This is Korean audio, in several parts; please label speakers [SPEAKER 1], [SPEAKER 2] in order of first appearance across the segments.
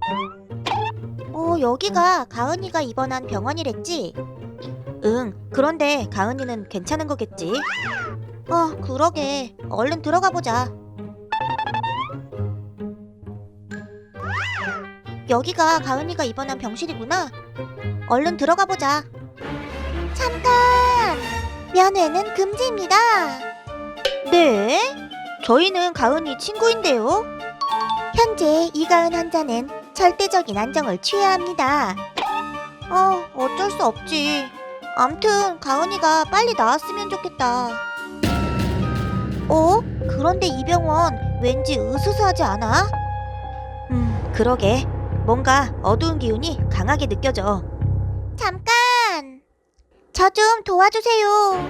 [SPEAKER 1] 여기가 가은이가 입원한 병원이랬지? 응, 그런데 가은이는 괜찮은 거겠지? 그러게. 얼른 들어가 보자. 여기가 가은이가 입원한 병실이구나. 얼른 들어가 보자. 잠깐! 면회는 금지입니다. 네? 저희는 가은이 친구인데요. 현재 이가은 환자는 절대적인 안정을 취해야 합니다. 어쩔 수 없지. 암튼 가은이가 빨리 나았으면 좋겠다. 그런데 이 병원 왠지 으스스하지 않아? 그러게. 뭔가 어두운 기운이 강하게 느껴져. 잠깐! 저 좀 도와주세요.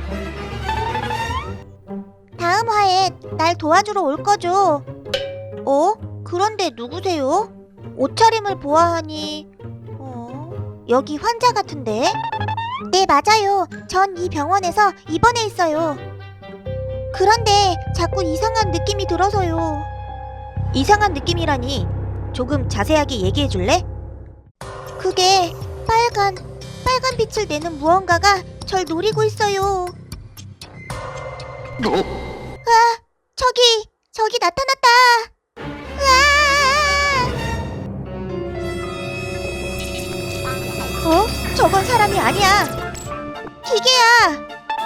[SPEAKER 1] 다음 화에 날 도와주러 올 거죠? 그런데 누구세요? 옷차림을 보아하니 여기 환자 같은데? 네, 맞아요. 전 이 병원에서 입원해 있어요. 그런데 자꾸 이상한 느낌이 들어서요. 이상한 느낌이라니? 조금 자세하게 얘기해 줄래? 그게 빨간 빛을 내는 무언가가 절 노리고 있어요. 저기 나타났다. 저건 사람이 아니야. 기계야.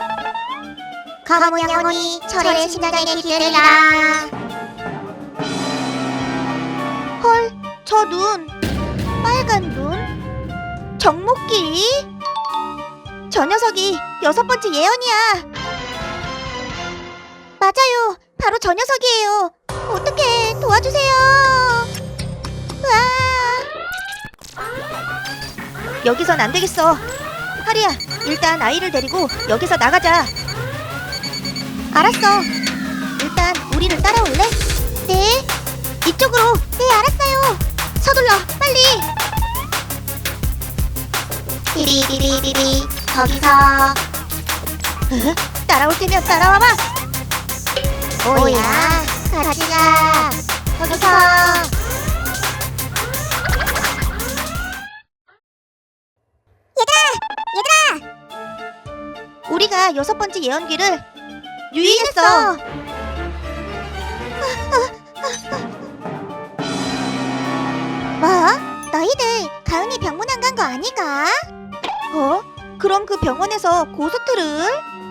[SPEAKER 1] 검은 영혼이 철의 심장에 기대리라. 헐, 저 눈. 빨간 눈? 정목기? 저 녀석이 6번째 예언이야. 맞아요. 바로 저 녀석이에요. 어떡해, 도와주세요. 여기선 안 되겠어. 하리야, 일단 아이를 데리고 여기서 나가자. 알았어. 일단 우리를 따라올래? 네. 이쪽으로. 네, 알았어요. 서둘러, 빨리. 비비비비비비. 거기서. 따라올 테면 따라와봐. 오야, 같이 가. 거기서. 얘들아! 우리가 6번째 예언기를 유인했어. 뭐? 너희들 가은이 병문 안 간 거 아니가? 그럼 그 병원에서 고스트를?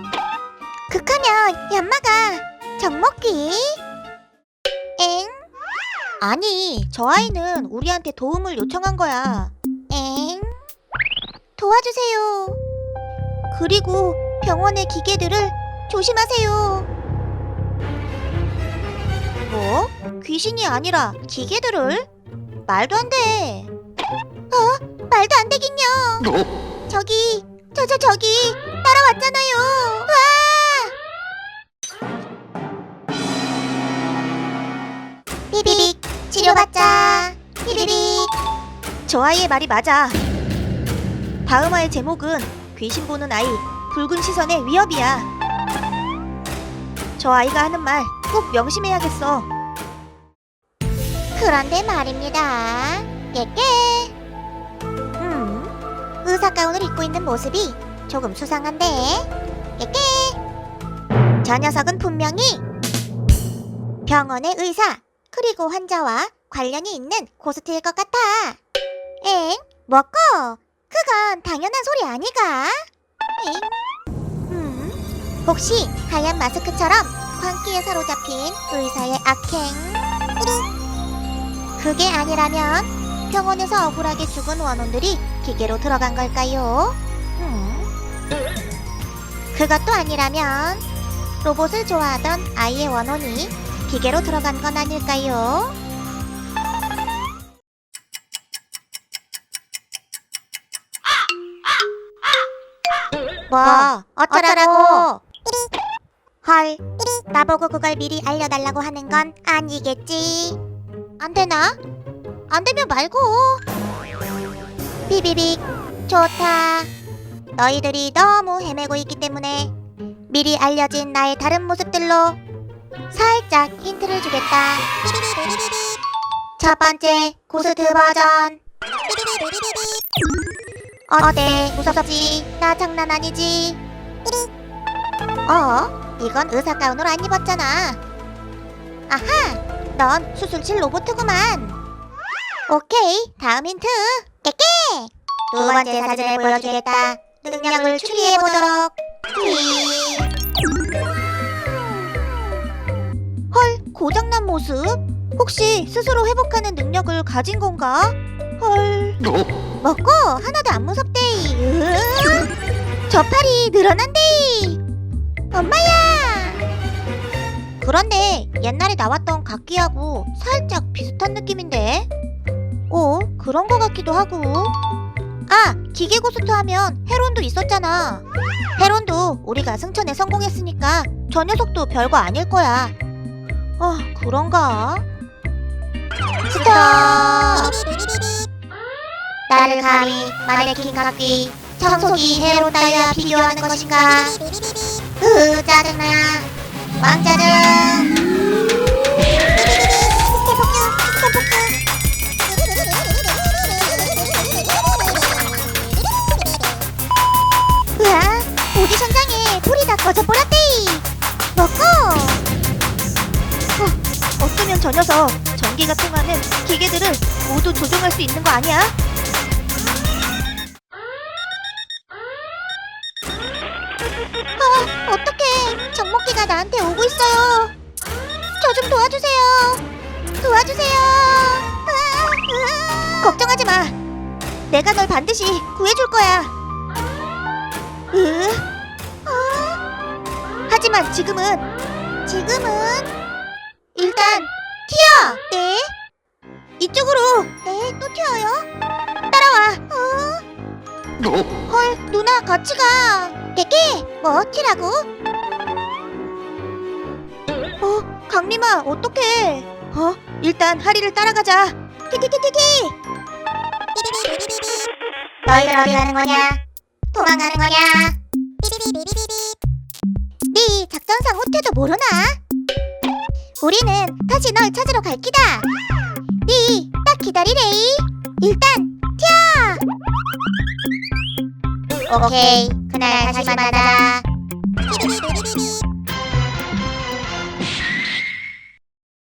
[SPEAKER 1] 극하면 연마가 정먹기? 엥? 아니, 저 아이는 우리한테 도움을 요청한 거야. 엥? 도와주세요. 그리고 병원의 기계들을 조심하세요. 뭐? 귀신이 아니라 기계들을? 말도 안 돼. 말도 안 되긴요. 저기 따라왔잖아요. 비비빅, 치료받자. 비비빅. 저 아이의 말이 맞아. 다음 화의 제목은 귀신 보는 아이, 붉은 시선의 위협이야. 저 아이가 하는 말 꼭 명심해야겠어. 그런데 말입니다. 깨깨. 의사 가운을 입고 있는 모습이 조금 수상한데. 깨깨. 저 녀석은 분명히 병원의 의사 그리고 환자와 관련이 있는 고스트일 것 같아. 엥? 뭐고? 그건 당연한 소리 아니가? 혹시 하얀 마스크처럼 광기에 사로잡힌 의사의 악행? 그게 아니라면 병원에서 억울하게 죽은 원혼들이 기계로 들어간 걸까요? 그것도 아니라면 로봇을 좋아하던 아이의 원혼이 기계로 들어간 건 아닐까요? 뭐 어쩌라고? 헐, 나보고 그걸 미리 알려달라고 하는 건 아니겠지? 안 되나? 안 되면 말고. 비비빅, 좋다. 너희들이 너무 헤매고 있기 때문에 미리 알려진 나의 다른 모습들로 살짝 힌트를 주겠다. 첫 번째 고스트 버전. 어때? 무섭지? 나 장난 아니지? 이건 의사 가운으로 안 입었잖아. 아하! 넌 수술실 로봇구만. 오케이, 다음 힌트. 깨깨! 두 번째 사진을 보여주겠다. 능력을 추리해보도록. 헐, 고장난 모습? 혹시 스스로 회복하는 능력을 가진 건가? 헐. 먹고 하나도 안 무섭대이. 저 팔이 늘어난대이. 엄마야. 그런데 옛날에 나왔던 각기하고 살짝 비슷한 느낌인데. 그런 거 같기도 하고. 아, 기계 고스트 하면 헤론도 있었잖아. 헤론도 우리가 승천에 성공했으니까 저 녀석도 별거 아닐 거야. 그런가? 스톱! 나를 감히 마네킹 각기 청소기 헤론 따위와 비교하는 것인가? 짜증나. 왕짜증. 으아, 오디션장에 불이 다 꺼져버렸대이. 먹고. 어쩌면 저 녀석 전기가 통하는 기계들을 모두 조종할 수 있는 거 아니야? 어떡해. 정목기가 나한테 오고 있어요. 저 좀 도와주세요. 도와주세요. 걱정하지 마. 내가 널 반드시 구해줄 거야. 하지만 지금은 일단 튀어. 네? 이쪽으로. 네, 또 튀어요? 따라와. 헐, 누나 같이 가. 깨깨, 뭐 튀라고? 강림아, 어떡해. 일단 하리를 따라가자. 키키키키키. 너희들 어디 가는 거냐? 도망가는 거냐? 네 작전상 후퇴도 모르나? 우리는 다시 널 찾으러 갈 기다. 네 딱 기다리래이. 일단 튀어. 오케이, 그날 다시 만나자.